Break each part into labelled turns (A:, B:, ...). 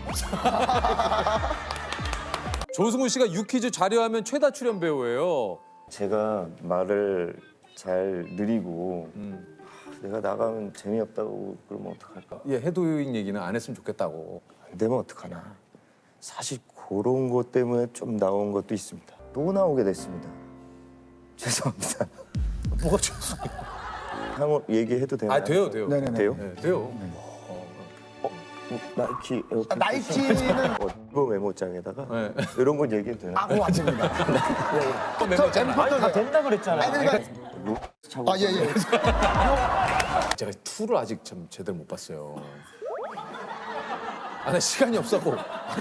A: 조승우 씨가 유퀴즈 자료하면 최다 출연 배우예요.
B: 제가 말을 잘 느리고 내가 나가면 재미없다고 그러면 어떡할까?
A: 예, 해도잉 얘기는 안 했으면 좋겠다고.
B: 안 되면 어떡하나? 사실 그런 것 때문에 좀 나온 것도 있습니다. 또 나오게 됐습니다. 죄송합니다.
A: 뭐가 죄송해요?
B: 한번 얘기해도 되나요?
A: 아, 돼요, 돼요.
C: 네네네.
B: 돼요?
A: 네, 돼요.
B: 나이키 에어컨
C: 나이키는
B: 이거 메모장에다가
A: 네.
B: 이런 건 얘기해도 되나?
C: 그거 안 됩니다.
A: 멤버
C: 다
B: 된다 그랬잖아요.
C: 아니 그러니까 예예.
A: 제가 2를 아직 참 제대로 못 봤어요. 아, 나 시간이 없었고.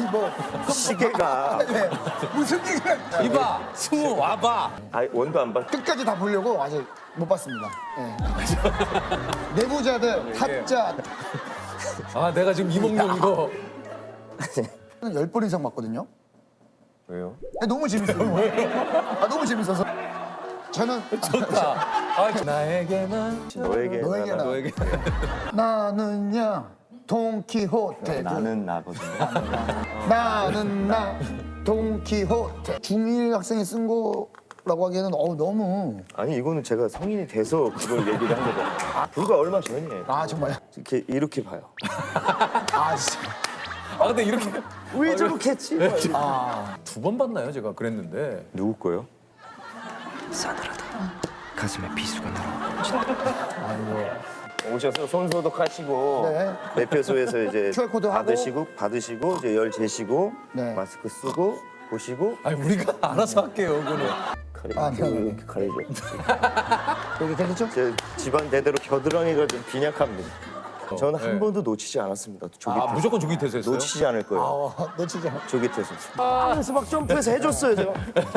B: 시계가
C: 무슨 얘기를
A: 이봐, 승우 와봐.
B: 원도 안 봤.
C: 끝까지 다 보려고 아직 못 봤습니다. 예. 내부자들 타짜
A: 아, 내가 지금 이몽룡 이거.
C: 10번 이상 봤거든요.
B: 왜요?
C: 너무 재밌어요. 너무 재밌어서 저는
A: 좋다. 아, 나에게만.
B: 너에게
C: 너에게나.
A: 너에게.
C: 나는야 돈키호테
B: 나는 나거든요.
C: 나는 나 돈키호테 중1 학생이 쓴 거라고 하기에는 너무
B: 아니 이거는 제가 성인이 돼서 그걸 얘기를 한 거잖아요. 불과 얼마 전이에요.
C: 정말
B: 이렇게 봐요.
C: 진짜
A: 아, 근데 이렇게.
B: 왜 저렇게 했지?
A: 2번 봤나요? 제가 그랬는데.
B: 누구 거요?
D: 싸늘하다. 가슴에 비수가 날아.
B: 오셔서 손 소독하시고
C: 네.
B: 매표소에서 이제
C: QR 코드 하고.
B: 받으시고 이제 열 재시고
C: 네.
B: 마스크 쓰고 보시고
A: 아니, 우리가 알아서 할게요, 그거는.
B: 이렇게 가리죠.
C: 여기 괜찮죠?
B: 제 집안 대대로 겨드랑이가 좀 빈약합니다. 저는 한
A: 네.
B: 번도 놓치지 않았습니다. 조깃해서.
A: 아, 무조건 조깃해서 했어요?
B: 놓치지 않을 거예요.
C: 놓치지 않아.
B: 조깃해서. 그래서 막 점프해서 해줬어요 제가.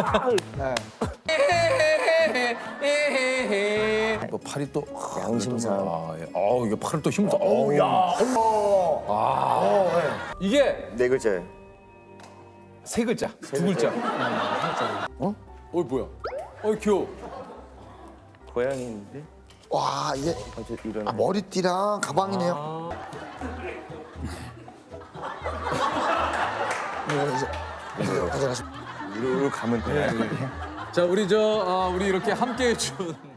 A: 뭐 팔이 또
B: 양심상.
A: 이게 팔을 또 힘도. 야. 이게
B: 네 글자예요.
A: 3글자, 2글자. 뭐야? 귀여워.
B: 고양이인데
C: 와 이게
B: 어제 일어나.
C: 머리띠랑 가방이네요. 이제 가져가시.
B: 이리로 가면 돼요.
A: 자, 우리 우리 이렇게 함께 해준